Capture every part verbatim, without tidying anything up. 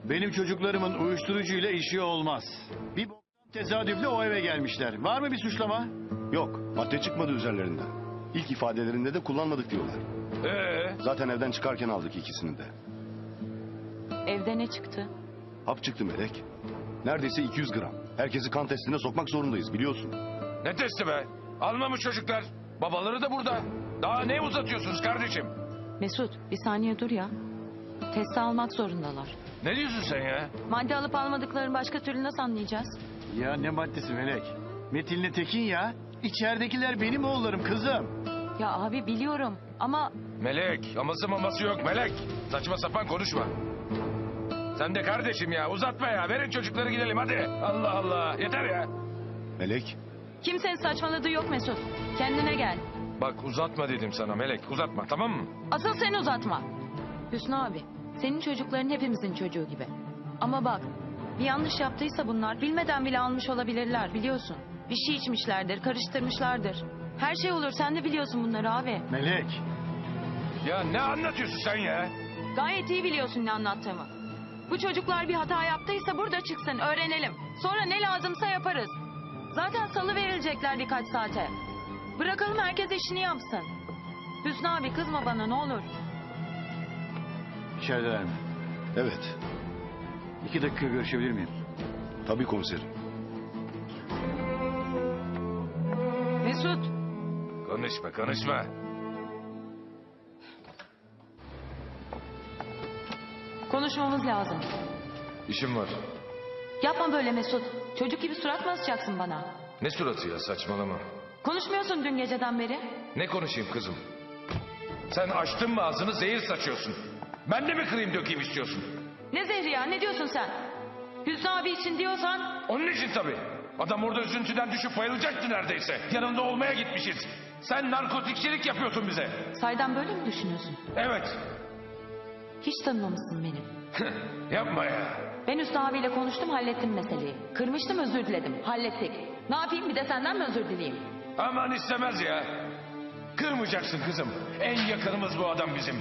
Benim çocuklarımın uyuşturucuyla işi olmaz. Bir boktan tesadüfle o eve gelmişler. Var mı bir suçlama? Yok, madde çıkmadı üzerlerinden. İlk ifadelerinde de kullanmadık diyorlar. Ee? Zaten evden çıkarken aldık ikisini de. Evde ne çıktı? Hap çıktı Melek. Neredeyse iki yüz gram. Herkesi kan testine sokmak zorundayız biliyorsun. Ne testi be? Almamış çocuklar. Babaları da burada. Daha ne uzatıyorsunuz kardeşim? Mesut bir saniye dur ya. Testi almak zorundalar. Ne diyorsun sen ya? Madde alıp almadıklarını başka türlü nasıl anlayacağız? Ya ne maddesi Melek? Metin'le Tekin ya. İçeridekiler benim oğullarım kızım. Ya abi biliyorum ama Melek, aması maması yok Melek. Saçma sapan konuşma. Sen de kardeşim ya, uzatma ya. Verin çocukları gidelim hadi. Allah Allah, yeter ya. Melek, kimsenin saçmaladığı yok Mesut. Kendine gel. Bak uzatma dedim sana Melek, uzatma tamam mı? Asıl sen uzatma. Hüsnü abi, senin çocukların hepimizin çocuğu gibi. Ama bak, bir yanlış yaptıysa bunlar bilmeden bile almış olabilirler biliyorsun. Bir şey içmişlerdir, karıştırmışlardır. Her şey olur, sen de biliyorsun bunları abi. Melek. Ya ne anlatıyorsun sen ya? Gayet iyi biliyorsun ne anlattığımı. Bu çocuklar bir hata yaptıysa burada çıksın, öğrenelim. Sonra ne lazımsa yaparız. Zaten salı verilecekler birkaç saate. Bırakalım herkes işini yapsın. Hüsnü abi kızma bana ne olur. İçerideler mi? evet. İki dakika görüşebilir miyim? Tabii komiserim. Mesut. Konuşma, konuşma. Konuşmamız lazım. İşim var. Yapma böyle Mesut. Çocuk gibi surat mı asacaksın bana? Ne suratı ya, saçmalama. Konuşmuyorsun dün geceden beri. Ne konuşayım kızım? Sen açtın mı ağzını zehir saçıyorsun. Ben de mi kırayım dökeyim istiyorsun? Ne zehri ya ne diyorsun sen? Hüsnü abi için diyorsan... Onun için tabii. Adam orada üzüntüden düşüp bayılacaktı neredeyse. Yanında olmaya gitmişiz. Sen narkotikçilik yapıyorsun bize. Saydan böyle mi düşünüyorsun? Evet. Hiç tanımamışsın beni. Yapma ya. Ben Hüsnü abiyle konuştum hallettim meseleyi. Kırmıştım özür diledim hallettik. Ne yapayım bir de senden mi özür dileyeyim? Aman istemez ya. Kırmayacaksın kızım. En yakınımız bu adam bizim.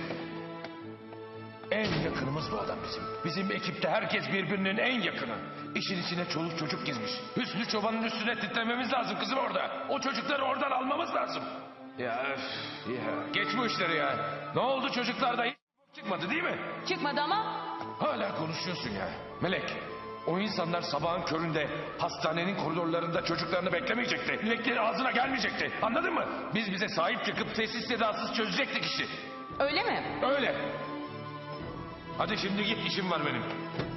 En yakınımız bu adam bizim. Bizim ekipte herkes birbirinin en yakını. İşin içine çoluk çocuk girmiş. Hüsnü Çoban'ın üstüne titrememiz lazım kızım orada. O çocukları oradan almamız lazım. Ya öf, ya. Geç bu işleri ya. Ne oldu çocuklarda hiç çıkmadı değil mi? Çıkmadı ama... Hala konuşuyorsun ya. Melek, o insanlar sabahın köründe hastanenin koridorlarında çocuklarını beklemeyecekti. Dilekleri ağzına gelmeyecekti. Anladın mı? Biz bize sahip çıkıp sessiz sedasız çözecektik işi. Öyle mi? Öyle. Hadi şimdi git, işim var benim.